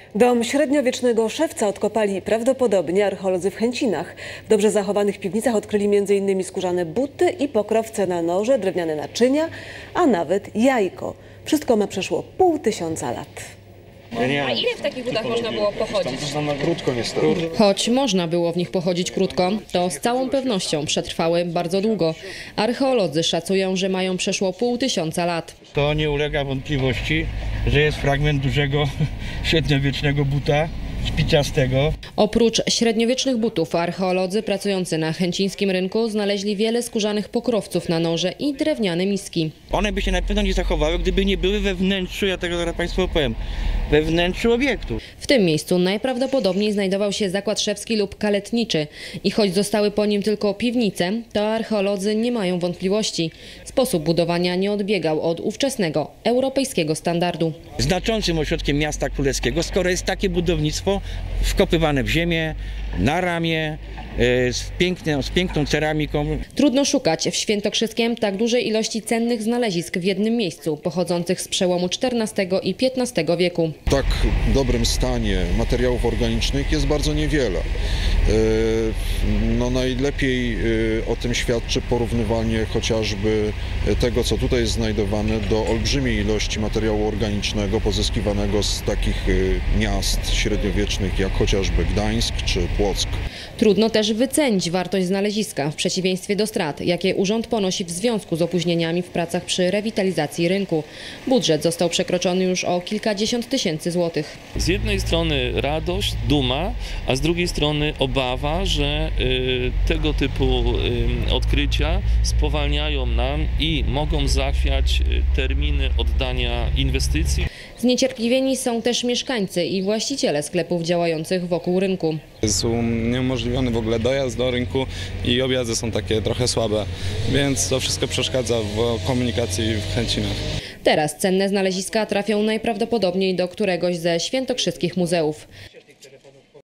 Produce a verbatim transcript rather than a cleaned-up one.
Dom średniowiecznego szewca odkopali prawdopodobnie archeolodzy w Chęcinach. W dobrze zachowanych piwnicach odkryli między innymi skórzane buty i pokrowce na noże, drewniane naczynia, a nawet jajko. Wszystko ma przeszło pół tysiąca lat. A ile w takich butach można było pochodzić? Krótko niestety. Choć można było w nich pochodzić krótko, to z całą pewnością przetrwały bardzo długo. Archeolodzy szacują, że mają przeszło pół tysiąca lat. To nie ulega wątpliwości, że jest fragment dużego średniowiecznego buta szpiciastego. Oprócz średniowiecznych butów, archeolodzy pracujący na chęcińskim rynku znaleźli wiele skórzanych pokrowców na noże i drewniane miski. One by się na pewno nie zachowały, gdyby nie były we wnętrzu, ja tego zaraz Państwu opowiem, we wnętrzu obiektu. W tym miejscu najprawdopodobniej znajdował się zakład szewski lub kaletniczy i choć zostały po nim tylko piwnice, to archeolodzy nie mają wątpliwości. Sposób budowania nie odbiegał od ówczesnego europejskiego standardu. Znaczącym ośrodkiem miasta królewskiego, skoro jest takie budownictwo wkopywane w ziemię, na ramię, z, piękną, z piękną ceramiką. Trudno szukać w Świętokrzyskiem tak dużej ilości cennych znalezisk w jednym miejscu, pochodzących z przełomu czternastego i piętnastego wieku. W tak dobrym stanie materiałów organicznych jest bardzo niewiele. No najlepiej o tym świadczy porównywanie chociażby tego, co tutaj jest znajdowane, do olbrzymiej ilości materiału organicznego pozyskiwanego z takich miast średniowiecznych jak chociażby Gdańsk czy Płock. Trudno też wycenić wartość znaleziska w przeciwieństwie do strat, jakie urząd ponosi w związku z opóźnieniami w pracach przy rewitalizacji rynku. Budżet został przekroczony już o kilkadziesiąt tysięcy złotych. Z jednej strony radość, duma, a z drugiej strony obawa, że y, tego typu y, odkrycia spowalniają nam i mogą zachwiać y, terminy oddania inwestycji. Zniecierpliwieni są też mieszkańcy i właściciele sklepów działających wokół rynku. Jest uniemożliwiony w ogóle dojazd do rynku i objazdy są takie trochę słabe, więc to wszystko przeszkadza w komunikacji w Chęcinach. Teraz cenne znaleziska trafią najprawdopodobniej do któregoś ze świętokrzyskich muzeów.